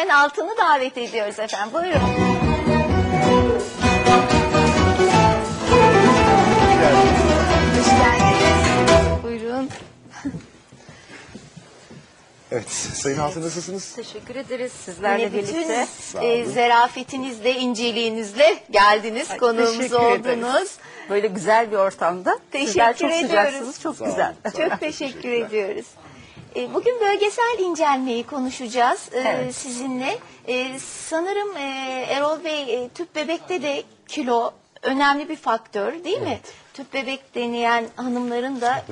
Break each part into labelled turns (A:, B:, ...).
A: Ayşen Altun'u davet ediyoruz efendim. Buyurun. Hoş geldiniz. Buyurun.
B: Evet, Sayın Altun nasılsınız?
C: Teşekkür ederiz sizlerle
A: Yine
C: birlikte.
A: bütün zarafetinizle, inceliğinizle geldiniz, konuğumuz
C: Teşekkür
A: oldunuz.
C: ederiz. Böyle güzel bir ortamda. Sizler çok
A: ediyoruz.
C: sıcaksınız, çok güzel.
A: Çok teşekkür ediyoruz. Bugün bölgesel incelmeyi konuşacağız
C: Evet.
A: sizinle. Sanırım Erol Bey, tüp bebekte de kilo önemli bir faktör değil mi? Tüp bebek deneyen hanımların da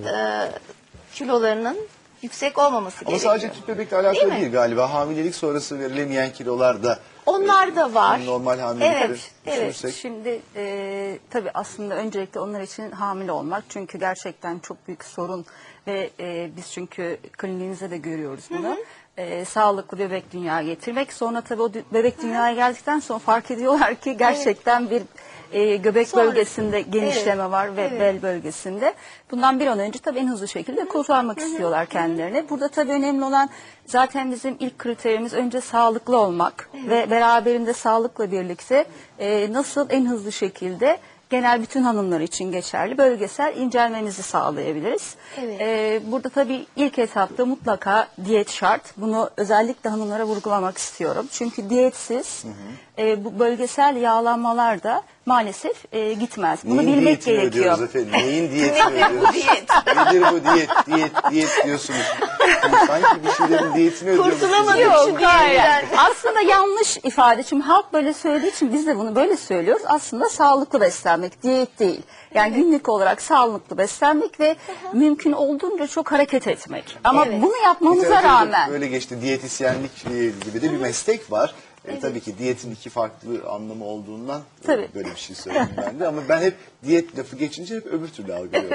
A: kilolarının yüksek olmaması
B: Ama
A: gerekiyor.
B: sadece tüp bebekle alakalı
A: mi?
B: değil galiba. Hamilelik sonrası verilemeyen kilolar da
A: Onlar da var.
B: normal hamilelikleri
A: Evet.
B: düşünürsek.
C: Şimdi tabii aslında öncelikle onlar için hamile olmak çünkü gerçekten çok büyük sorun ve biz çünkü kliniğimizde de görüyoruz bunu. Sağlıklı bebek dünyaya getirmek. Sonra tabii o bebek dünyaya geldikten sonra fark ediyorlar ki gerçekten bir göbek
A: Sonra-
C: bölgesinde genişleme var ve bel bölgesinde. Bundan bir an önce tabii en hızlı şekilde kurtarmak istiyorlar kendilerini. Burada tabii önemli olan zaten bizim ilk kriterimiz önce sağlıklı olmak ve beraberinde sağlıkla birlikte nasıl en hızlı şekilde genel bütün hanımlar için geçerli bölgesel incelmemizi sağlayabiliriz.
A: Evet.
C: Burada tabii ilk etapta mutlaka diyet şart. Bunu özellikle hanımlara vurgulamak istiyorum. Çünkü diyetsiz bu bölgesel yağlanmalar da maalesef gitmez. Bunu
B: Neyin
C: bilmek
B: diyetini
C: gerekiyor.
B: ödüyoruz efendim? Neyin diyetini ödüyoruz? Nedir bu diyet diyorsunuz. Sanki bir şeylerin diyetini ödüyoruz.
A: Kurtulamadık
C: Yok,
A: şu
C: hayır.
A: diyetten.
C: Aslında yanlış ifade. Şimdi halk böyle söylediği için biz de bunu böyle söylüyoruz. Aslında sağlıklı beslenmek, diyet değil. Yani günlük olarak sağlıklı beslenmek ve mümkün olduğunca çok hareket etmek. Ama bunu yapmamıza
B: Literatürde
C: rağmen
B: böyle geçti. Diyetisyenlik gibi de bir meslek var. Tabii ki diyetin iki farklı anlamı olduğundan
C: Tabii.
B: böyle bir şey söyleyeyim ben de. Ama ben hep diyet lafı geçince hep öbür türlü algılıyorum.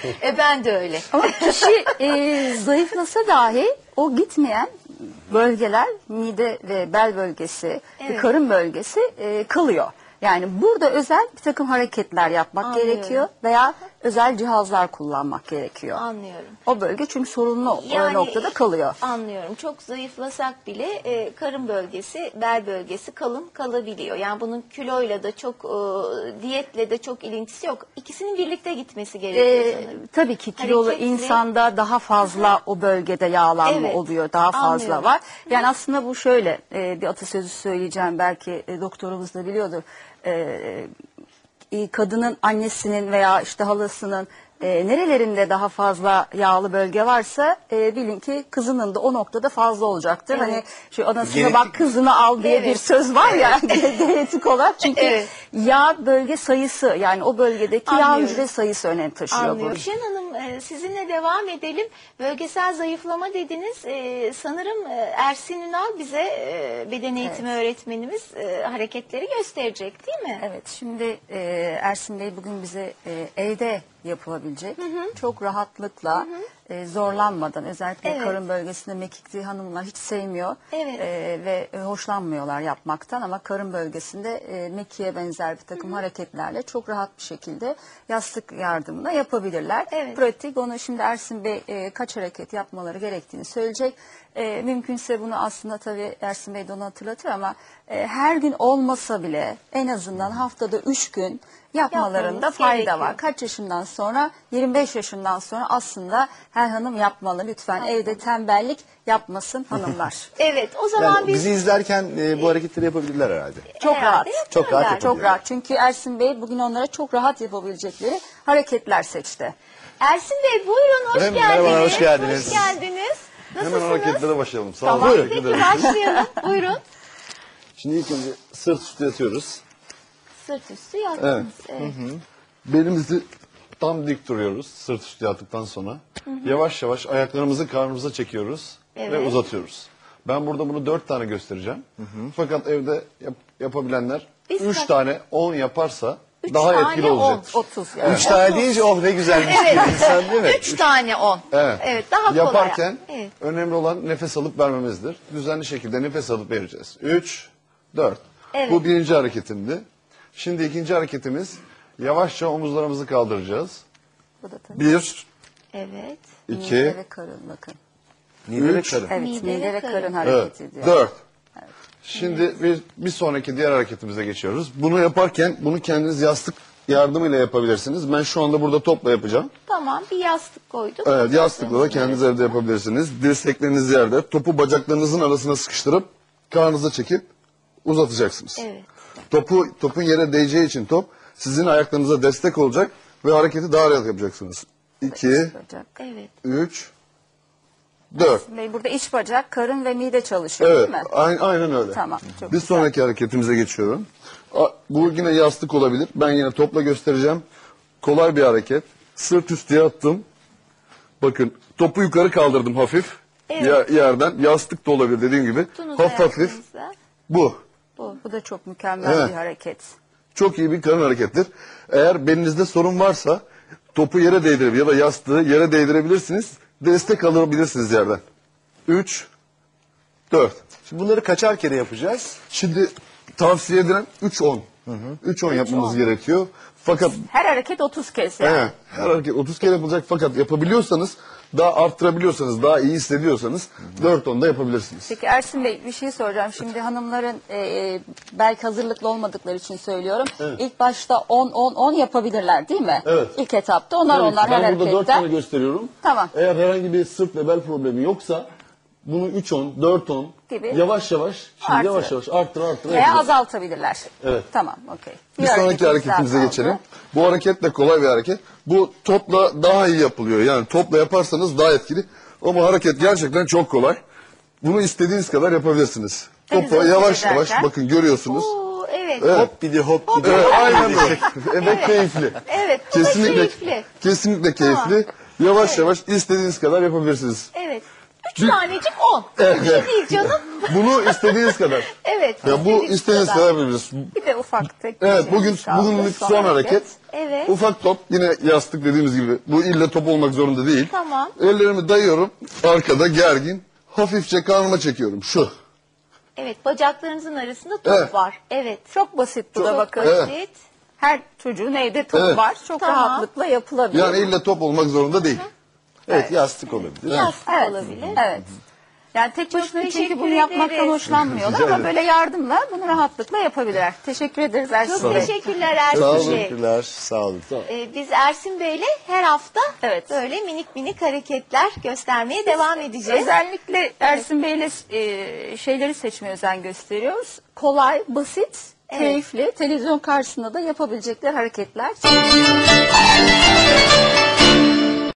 A: Ben de öyle.
C: ama kişi zayıflasa dahi o gitmeyen bölgeler mide ve bel bölgesi ve karın bölgesi kalıyor. Yani burada özel bir takım hareketler yapmak
A: Anlıyorum.
C: gerekiyor veya özel cihazlar kullanmak gerekiyor.
A: Anlıyorum.
C: O bölge çünkü sorunlu o noktada kalıyor.
A: Anlıyorum. Çok zayıflasak bile karın bölgesi, bel bölgesi kalın kalabiliyor. Yani bunun kiloyla da çok, diyetle de çok ilintisi yok. İkisinin birlikte gitmesi gerekiyor sanırım.
C: Tabii ki kilolu
A: Hareketli.
C: insanda daha fazla o bölgede yağlanma
A: Evet,
C: oluyor, daha fazla
A: anlıyorum.
C: var. Yani aslında bu şöyle bir atasözü söyleyeceğim belki doktorumuz da biliyordur. Kadının annesinin veya işte halasının nerelerinde daha fazla yağlı bölge varsa bilin ki kızının da o noktada fazla olacaktır.
A: Evet.
C: Hani şu anasına
B: Genetik-
C: bak kızını al diye bir söz var ya genetik olarak. Çünkü
A: Evet.
C: yağ bölge sayısı yani o bölgedeki yağ
A: Anlıyorum.
C: hücre sayısı önem taşıyor.
A: Anlıyorum.
C: burada.
A: Şen Hanım, sizinle devam edelim. Bölgesel zayıflama dediniz. Sanırım Ersin Ünal bize beden eğitimi öğretmenimiz hareketleri gösterecek değil mi?
C: Evet, şimdi Ersin Bey bugün bize evde yapılabilecek, çok rahatlıkla, zorlanmadan, özellikle
A: Evet.
C: karın bölgesinde mekikli hanımlar hiç sevmiyor
A: Evet.
C: ve hoşlanmıyorlar yapmaktan ama karın bölgesinde mekiğe benzer bir takım hareketlerle çok rahat bir şekilde yastık yardımıyla yapabilirler.
A: Evet.
C: Pratik, onu şimdi Ersin Bey kaç hareket yapmaları gerektiğini söyleyecek. Mümkünse bunu aslında tabii Ersin Bey de onu hatırlatır ama her gün olmasa bile en azından haftada 3 gün yapmalarında
A: Yapmamız
C: fayda
A: gerekiyor.
C: var. Kaç yaşından sonra? 25 yaşından sonra aslında her hanım yapmalı. Lütfen evde tembellik yapmasın hanımlar.
A: Evet, o zaman
B: Yani
A: biz
B: bizi izlerken bu hareketleri yapabilirler herhalde.
C: Çok
A: herhalde
C: rahat.
B: Çok rahat
A: yaparlar.
C: Çok rahat. Çünkü Ersin Bey bugün onlara çok rahat yapabilecekleri hareketler seçti.
A: Ersin Bey buyurun, hoş
D: Efendim,
A: geldiniz.
D: merhabalar, hoş geldiniz.
A: Hoş geldiniz.
D: Hemen
A: Nasılsınız?
D: hareketlere başlayalım. Sağ
A: Tamam,
D: olun.
A: peki başlayalım. Buyurun.
D: Şimdi ilk önce sırt üstü yatıyoruz.
A: Sırt üstü yattınız. Evet.
D: Belimizi tam dik duruyoruz sırt üstü yattıktan sonra. Yavaş yavaş ayaklarımızı karnımıza çekiyoruz ve
A: Evet.
D: uzatıyoruz. Ben burada bunu 4 tane göstereceğim. Fakat evde yapabilenler
A: Biz
D: 3
A: kaç-
D: tane 10 yaparsa
A: Üç
D: daha
A: tane
D: etkili
A: 10,
D: olacaktır.
C: 30 yani.
B: 3 tane deyince oh ne güzelmiş
A: Evet.
B: diyor insan değil mi?
A: 3 tane 10.
D: Evet.
A: Daha kolay.
D: Yaparken
A: Evet.
D: önemli olan nefes alıp vermemizdir. Düzenli şekilde nefes alıp vereceğiz. 3, 4.
A: Evet.
D: Bu birinci hareketimdi. Şimdi ikinci hareketimiz yavaşça omuzlarımızı kaldıracağız.
C: Bu da tabii.
D: 1,
A: Evet.
D: 2,
C: Mide ve karın bakın.
B: Mide ve
D: Üç.
B: karın.
C: Evet,
A: Mide
C: mide,
A: ve
C: ve
A: karın.
C: karın hareket
D: evet,
C: ediyor.
D: 4. Şimdi bir sonraki diğer hareketimize geçiyoruz. Bunu yaparken bunu kendiniz yastık yardımıyla yapabilirsiniz. Ben şu anda burada topla yapacağım.
A: Tamam, bir yastık koyduk.
D: Evet, yastıkla da kendiniz evde yapabilirsiniz. Dirsekleriniz yerde. Topu bacaklarınızın arasına sıkıştırıp karnınıza çekip uzatacaksınız.
A: Evet.
D: Topun yere değeceği için top sizin ayaklarınıza destek olacak ve hareketi daha rahat yapacaksınız. 2,
C: Bacak.
A: Evet.
D: 3, 4.
C: Bey, burada iç bacak, karın ve mide çalışıyor
D: Evet,
C: değil mi?
D: aynen öyle.
C: Tamam, çok
D: Bir
C: güzel.
D: sonraki hareketimize geçiyorum. Bu yine yastık olabilir. Ben yine topla göstereceğim. Kolay bir hareket. Sırt üstü yattım. Bakın topu yukarı kaldırdım hafif.
A: Evet.
D: Yerden. Yastık da olabilir dediğim gibi.
A: Tutunuzu
D: Hafif.
A: ayaklarınızla.
D: Bu.
C: Bu da çok mükemmel
D: Evet.
C: bir hareket.
D: Çok iyi bir karın harekettir. Eğer belinizde sorun varsa topu yere değdirebilir ya da yastığı yere değdirebilirsiniz. Destek alabilirsiniz yerden. 3, 4.
B: Şimdi bunları kaçar kere yapacağız?
D: Şimdi tavsiye edilen 3-10. 3-10 yapmamız gerekiyor. Fakat
C: Her hareket 30 kez yani.
D: evet, her hareket 30 kere yapılacak fakat yapabiliyorsanız daha arttırabiliyorsanız daha iyi hissediyorsanız 4-10 da yapabilirsiniz.
C: Peki Ersin Bey, bir şey soracağım. Şimdi hanımların belki hazırlıklı olmadıkları için söylüyorum. İlk başta 10-10-10 yapabilirler değil mi?
D: Evet.
C: İlk etapta onlar
D: Evet,
C: her
D: ben burada 4 tane
C: hareketten.
D: gösteriyorum.
C: Tamam.
D: Eğer herhangi bir sırt ve bel problemi yoksa bunu 3-10, 4-10
C: Gibi.
D: yavaş yavaş arttır
C: Veya
D: yapacağız.
C: azaltabilirler.
D: Evet.
C: Tamam, okey.
D: Bir sonraki
C: hareketimiz
D: hareketimize
C: daha
D: geçelim.
C: kaldı.
D: Bu hareket de kolay bir hareket. Bu topla daha iyi yapılıyor. Yani topla yaparsanız daha etkili. Ama hareket gerçekten çok kolay. Bunu istediğiniz kadar yapabilirsiniz.
C: Denize
D: Topu yavaş
C: ederken.
D: yavaş bakın görüyorsunuz.
A: Oo, evet.
B: Hop bir de hop bir de.
D: Evet, aynen böyle. Ve keyifli.
A: Evet, bu da
D: Kesinlikle
A: keyifli.
D: kesinlikle keyifli. Yavaş yavaş istediğiniz kadar yapabilirsiniz.
A: Evet. 3 tanecik 10. Bir şey değil canım.
D: Bunu istediğiniz kadar.
A: Evet.
D: Ya bu istediğiniz kadar yapabilirsiniz.
C: Bir de ufak tek.
D: Evet
C: bir şeyimiz kaldı.
D: bugünlük son hareket.
A: Evet.
D: Ufak top yine yastık dediğimiz gibi. Bu illa top olmak zorunda değil.
A: Tamam.
D: Ellerimi dayıyorum arkada gergin. Hafifçe karnıma çekiyorum şu.
A: Evet, bacaklarınızın arasında top
D: Evet.
A: var. Evet.
C: Çok basit bu da
A: Çok
C: bakın.
A: basit.
C: Her çocuğun evde top
D: Evet.
C: var. Çok
A: Tamam.
C: rahatlıkla yapılabilir.
D: Yani illa top olmak zorunda değil.
B: Evet, yastık olabilir.
A: Yastık
C: Evet.
A: olabilir.
C: Evet. Yani tek başına çünkü
A: teşekkür
C: bunu yapmaktan
A: ederiz.
C: hoşlanmıyorlar
D: Rica
C: ama
D: ederim.
C: böyle yardımla bunu rahatlıkla yapabilirler. Teşekkür ederiz Ersin
A: Çok
C: Bey.
A: teşekkürler
D: Sağ olun.
A: Ersin Bey.
B: Teşekkürler, sağ olun.
A: Biz Ersin Bey'le her hafta
C: Evet.
A: böyle minik minik hareketler göstermeye devam edeceğiz.
C: Özellikle Ersin Bey'le şeyleri seçmeye özen gösteriyoruz. Kolay, basit, keyifli, televizyon karşısında da yapabilecekler hareketler.